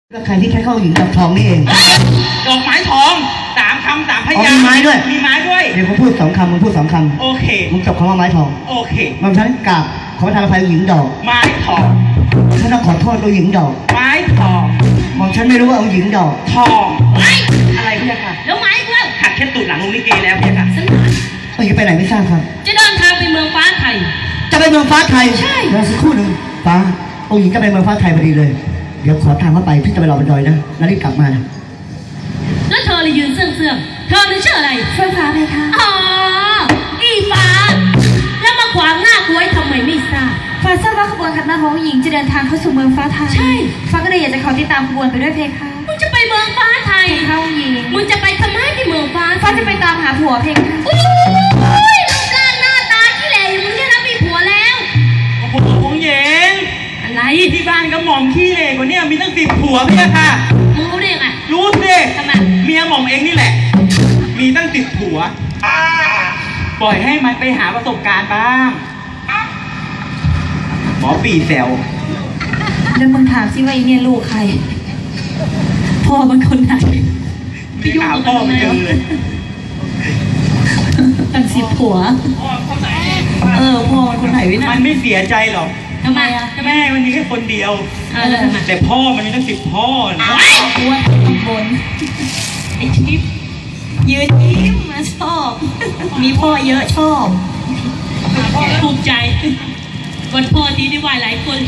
ก็ใครที่ใช้เข้าหญิงดอกทองนี่เองดอกไม้ทอง3 คำ 3 พยางค์มีไม้ด้วยมีไม้ด้วยเดี๋ยวผมพูด2 คำมึงพูด2 คำโอเคมึงจบคำว่าไม้ทองโอเคมันฉันกราบขอประทานอภัยหญิงดอกไม้ทองฉันต้องขอโทษตัวหญิงดอกไม้ทองมองฉันไม่รู้ว่าเอาหญิงดอกทองไม้อะไรพี่ค่ะแล้วไม้เพื่อนขัดแค่ตูดหลังลงลิเกแล้วพี่ค่ะเอาหญิงไปไหนไม่ทราบครับจะเดินทางไปเมืองฟ้าไทยจะไปเมืองฟ้าไทยใช่รอสักครู่หนึ่งฟ้าองค์หญิงจะไปเมืองฟ้าไทยพอดีเลยเดี๋ยวขอทางเข้าไปพี่จะไปรอบนดอยนะแล้วรีบกลับมาแล้วเธอเลยยืนเสื่องเธอนี่ชื่ออะไรเฟื่องฟ้าไหมคะอ๋ออีฟ้าแล้วมาขวางหน้ากูไว้ทำไมไม่ทราบฟ้าทราบว่าขบวนขันหมากของหญิงจะเดินทางเข้าสู่เมืองฟ้าไทยใช่ฟ้าก็เลยอยากจะขอติดตามขบวนไปด้วยเพคะมึงจะไปเมืองฟ้าไทยเข้าหญิงมึงจะไปทำไมที่เมืองฟ้าฟ้าจะไปตามหาผัวเพคะอุ้ยรูปร่างหน้าตาขี้เหร่อย่างมึงเนี่ยนะมีผัวแล้วโอ้โหของเย็นอะไรที่บ้านก็หม่อมขี้เหร่กว่านี้มีตั้ง10 ผัวพี่ค่ะมึงรู้ได้ยังไงรู้สิทำไมเมียหม่อมเองนี่แหละมีตั้ง10 ผัวปล่อยให้มันไปหาประสบการณ์บ้างหมอปีแซวแล้วมึงถามสิว่าอีเนี่ยลูกใครพ่อมันคนไหนไปยุ่งกับพ่อมันเลยตั้ง10 ผัวพ่อมันคนไหนวินะมันไม่เสียใจหรอกทำไมอ่ะแม่มันมีแค่คนเดียวแล้วทำไมแต่พ่อมันมีตั้ง10 พ่อนะอ้วนบนไอ้ทิพย์ยืนยิ้มมาชอบมีพ่อเยอะชอบภูมิใจวันพ่อที่ได้ไหวหลายคน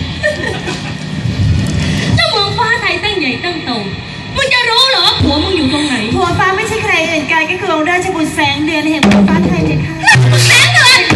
เจ้าเมืองฟ้าไทยตั้งใหญ่ตั้งโตมึงจะรู้เหรอผัวมึงอยู่ตรงไหนผัวฟ้าไม่ใช่ใครอื่นไกลก็คือองค์ราชบุตรแสงเดือนแห่งเมืองฟ้าไทยเลยค่ะแสงเดือน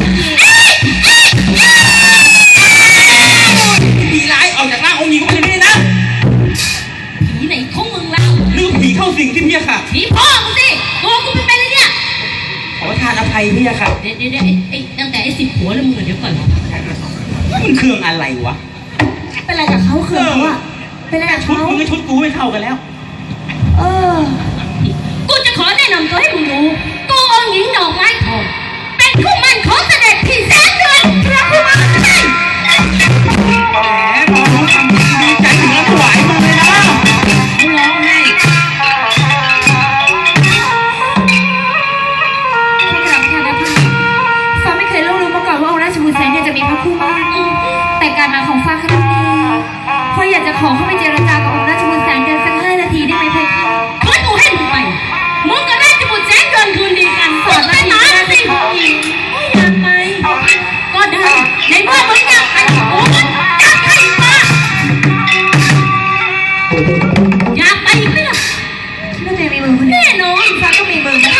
ผีร้ายออกจากร่างองค์หญิงไปเลยนะผีไหนของมึงเล่าหรือผีเข้าสิงที่พี่ค่ะผีพ่อมึงสิตัวกูไม่เป็นเลยเนี่ยขอทานอภัยพี่ค่ะเดี๋ยวไอ้ตั้งแต่ไอ้10 ผัวแล้วมึงเดี๋ยวก่อนมันเครื่องอะไรวะเป็นอะไรกับเขาเครื่องวะเป็นอะไรกับชุดเขามึงกับชุดกูไม่เท่ากันแล้วกูจะขอแนะนำตัวให้มึงรู้กูองค์หญิงดอกไม้ทองเป็นคู่มั่นของเสด็จพี่แสงเดือนพระผู้มั่นใช่แหมพอน้องทำดีใจถึงแล้วถวายมาเลยนะมึงร้องไห้พี่กลับค่ะนะพี่ฟ้าไม่เคยรู้มาก่อนว่าองค์ราชบุตรแสงเนี่ยจะมีพระคู่มั่นแต่การมาของฟ้าครั้งนี้ฟ้าอยากจะขอเข้าไปเจรจากับองค์ราชบุตรแสงเดือนสัก5 นาทีได้ไหมเพคะขอกูให้มึงไปมึงกับราชบุตรแสงเดือนคืนดีกันสอนมาหนาสิอยากไปก็ได้ในเมื่อมึงอยากไปกูมันจัดให้มาอยากไปไหมล่ะคิดว่าตัวเองมีมือคนเดียวแน่นอนฟ้าก็มีมือเหมือน